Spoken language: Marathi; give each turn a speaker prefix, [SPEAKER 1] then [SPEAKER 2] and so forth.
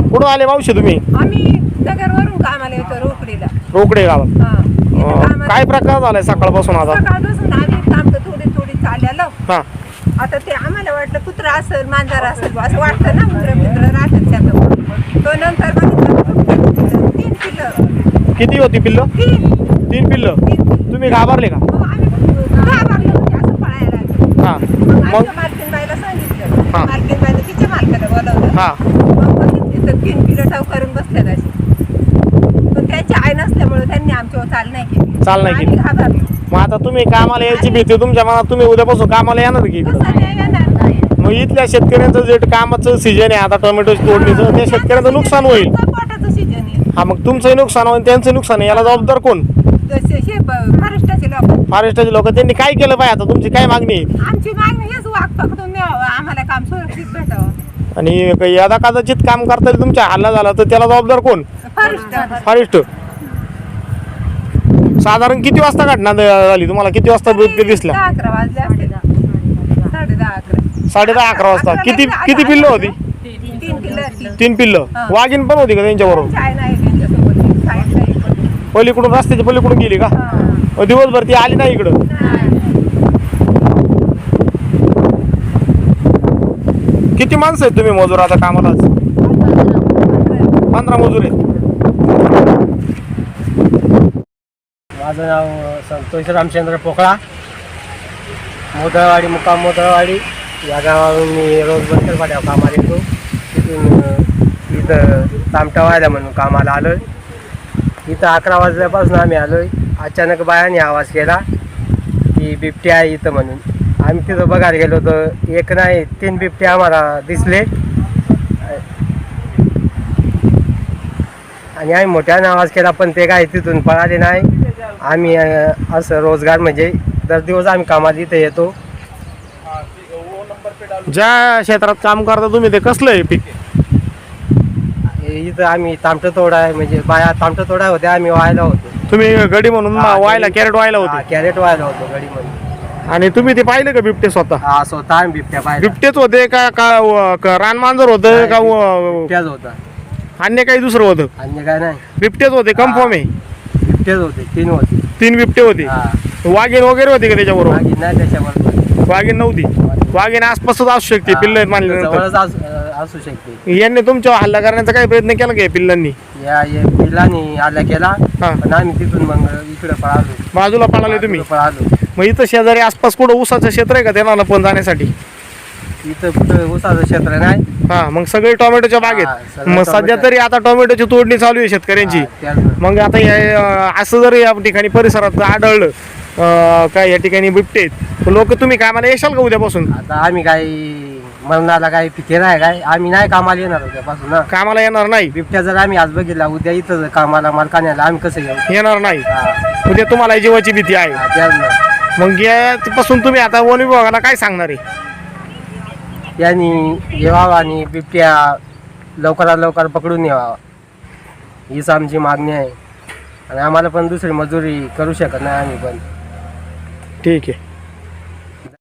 [SPEAKER 1] कुठं आले मावशी तुम्ही?
[SPEAKER 2] आम्ही नगरवरून कामाला येतो रोकडीला.
[SPEAKER 1] रोकडे गावात.
[SPEAKER 2] हा. इथं कामाला-
[SPEAKER 1] काय प्रकार झालाय सकाळपासून आता?
[SPEAKER 2] सकाळपासून आम्ही काम थोडी थोडी चाललेलो.
[SPEAKER 1] हा.
[SPEAKER 2] आता ते आम्हाला वाटलं कुत्रा असेल मांजर असेल असं वाटतं ना. मुलं राहतात त्यात. तो नंतर बघितलं 3 पिल्लं.
[SPEAKER 1] किती होती पिल्लं? 3 पिल्लं.
[SPEAKER 2] 3 पिल्लं.
[SPEAKER 1] तुम्ही घाबरले का?
[SPEAKER 2] मग आम्ही घाबरलो म्हणजे असं पळायला लागलो.
[SPEAKER 1] हा.
[SPEAKER 2] मग
[SPEAKER 1] मग
[SPEAKER 2] आमच्या मालकीनबाईला सांगितलं.
[SPEAKER 1] हा.
[SPEAKER 2] मालकीनबाईला तिच्या मालकाला बोलावलं.
[SPEAKER 1] हा.
[SPEAKER 2] मग बघितली तर 3 पिल्लं ठाव करून बसल्यात अशी. पण त्यांची आई नसल्यामुळे त्यांनी आमच्यावर चाल नाही केली.
[SPEAKER 1] चाल नाही केली.
[SPEAKER 2] आम्ही घाबरलो.
[SPEAKER 1] मग आता तुम्ही कामाला यायची भीती तुमच्या मनात, तुम्ही उद्यापासून कामाला येणार की?
[SPEAKER 2] कसं नाही येणार?
[SPEAKER 1] मग इथल्या शेतकऱ्यांचं जे कामाचं सीजन आहे आता टोमॅटोची तोडणीचं, त्या शेतकऱ्यांचं नुकसान होईल.
[SPEAKER 2] पोटाचं सीजन आहे.
[SPEAKER 1] हा, मग तुमचंही नुकसान होईल, त्यांचं नुकसान आहे. याला जबाबदार कोण?
[SPEAKER 2] महाराष्ट्राचे लोक.
[SPEAKER 1] फॉरेस्टचे लोक. त्यांनी काय केलं पाहिजे? आता तुमची काय मागणी आहे?
[SPEAKER 2] आमची मागणी हेच वाघ पकडून द्यावं, आम्हाला काम सुरक्षित भेटावं.
[SPEAKER 1] आणि यदा कदाचित काम करता तुमच्या हल्ला झाला तर त्याला जबाबदार कोण? फॉरेस्ट. साधारण किती वाजता घटना झाली? तुम्हाला किती वाजता बिबटे दिसला?
[SPEAKER 2] 11 वाजले असतील. 10:30-11.
[SPEAKER 1] 10:30-11 वाजता. किती पिल्लं होती?
[SPEAKER 2] 3 पिल्लं.
[SPEAKER 1] 3 पिल्लं. वाघीण पण होती का त्यांच्याबरोबर?
[SPEAKER 2] चाय नाही त्यांच्यासोबत. साईडला एक होती.
[SPEAKER 1] पलीकडून, रस्त्याच्या पलीकडून गेली का?
[SPEAKER 2] हा.
[SPEAKER 1] मग दिवसभर ती आली नाही इकडं? किती माणसं आहेत तुम्ही मजूर आता कामाला? 15 मजूर आहेत.
[SPEAKER 3] माझं नाव संतोष रामचंद्र पोकळा, मोदळवाडी, मुक्काम मोदळवाडी या गावावरून मी रोज बंदरवाड्यावर कामाला येतो. तिथून इथं तामटा व्हायला म्हणून कामाला आलो आहे. इथं 11 वाजल्यापासून आम्ही आलो आहे. अचानक बायाने आवाज केला की बिबटे आहे इथं म्हणून. आम्ही तिथं बघायला गेलो तर एक नाही 3 बिबटे आम्हाला दिसले आणि आम्ही मोठ्याने आवाज केला पण ते काय तिथून पळाले नाही. आम्ही असं रोजगार म्हणजे दर दिवस आम्ही कामाला इथे येतो.
[SPEAKER 1] ज्या क्षेत्रात काम करता तुम्ही ते कसलं आहे पीक?
[SPEAKER 3] इथं आम्ही तामटं तोडा आहे म्हणजे बाया तामटं तोडा होत्या, आम्ही व्हायला होतो.
[SPEAKER 1] तुम्ही गडी म्हणून वायला, कॅरेट वायला होते?
[SPEAKER 3] कॅरेट व्हायला होतो गडी म्हणून.
[SPEAKER 1] आणि तुम्ही ते पाहिले का बिबटे स्वतः?
[SPEAKER 3] हा, स्वतः आम्ही बिबट्या पाहिला.
[SPEAKER 1] बिबटेच होते का रानमांजर होतं का
[SPEAKER 3] बिबट्याच होता,
[SPEAKER 1] अन्य काही दुसरं होतं?
[SPEAKER 3] अन्य काय नाही.
[SPEAKER 1] बिबटेच होते, कन्फर्म आहे?
[SPEAKER 3] बिबट्याच होते, 3 होते.
[SPEAKER 1] 3 बिबटे होते.
[SPEAKER 3] हा.
[SPEAKER 1] वाघीण वगैरे होती का त्याच्याबरोबर?
[SPEAKER 3] मागे नाही त्याच्याबरोबर.
[SPEAKER 1] वाघीण नव्हती. वाघीण आसपासच असू शकते पिल्ल मानल्यानंतर.
[SPEAKER 3] जवळच असू शकते.
[SPEAKER 1] यांनी तुमच्या हल्ला करण्याचा काही प्रयत्न केला का पिल्लांनी?
[SPEAKER 3] या पिल्लांनी हल्ला केला
[SPEAKER 1] हा.
[SPEAKER 3] पण आम्ही तिथून मग इकडे पळालो.
[SPEAKER 1] बाजूला पळाले तुम्ही?
[SPEAKER 3] पळालो.
[SPEAKER 1] मग इथं शेजारी आसपास कुठं ऊसाचं क्षेत्र आहे का त्यांना पण जाण्यासाठी?
[SPEAKER 3] इथं कुठं ऊसाचं क्षेत्र नाही.
[SPEAKER 1] हा, मग सगळे टोमॅटोच्या
[SPEAKER 3] हा,
[SPEAKER 1] बागेत.
[SPEAKER 3] सगळे
[SPEAKER 1] मग सध्या
[SPEAKER 3] टोमॅटो.
[SPEAKER 1] तरी आता टोमॅटोची तोडणी चालू आहे शेतकऱ्यांची.
[SPEAKER 3] हा, त्याच-
[SPEAKER 1] मग आता असं जर या ठिकाणी परिसरात आढळलं काय या ठिकाणी बिबटे आहेत, लोक तुम्ही कामाला येशाल का उद्यापासून?
[SPEAKER 3] आता आम्ही काही मरणाला काही पिके नाही काय, आम्ही नाही कामाला येणार उद्यापासून ना.
[SPEAKER 1] कामाला येणार नाही?
[SPEAKER 3] बिबट्या जर आम्ही आज बघितला उद्या इथं कामाला मालकाण्याला आम्ही कसं येऊ?
[SPEAKER 1] येणार नाही.
[SPEAKER 3] हा,
[SPEAKER 1] उद्या तुम्हाला जीवाची भीती आहे.
[SPEAKER 3] हा, त्याच ना.
[SPEAKER 1] मग यापासून तुम्ही आता वन विभागाला काय सांगणार आहे?
[SPEAKER 3] यांनी येवावं आणि बिबट्या लवकरात लवकर पकडून यावा हीच आमची मागणी आहे. आणि आम्हाला पण दुसरी मजुरी करू शकत नाही आम्ही पण.
[SPEAKER 1] ठीक आहे.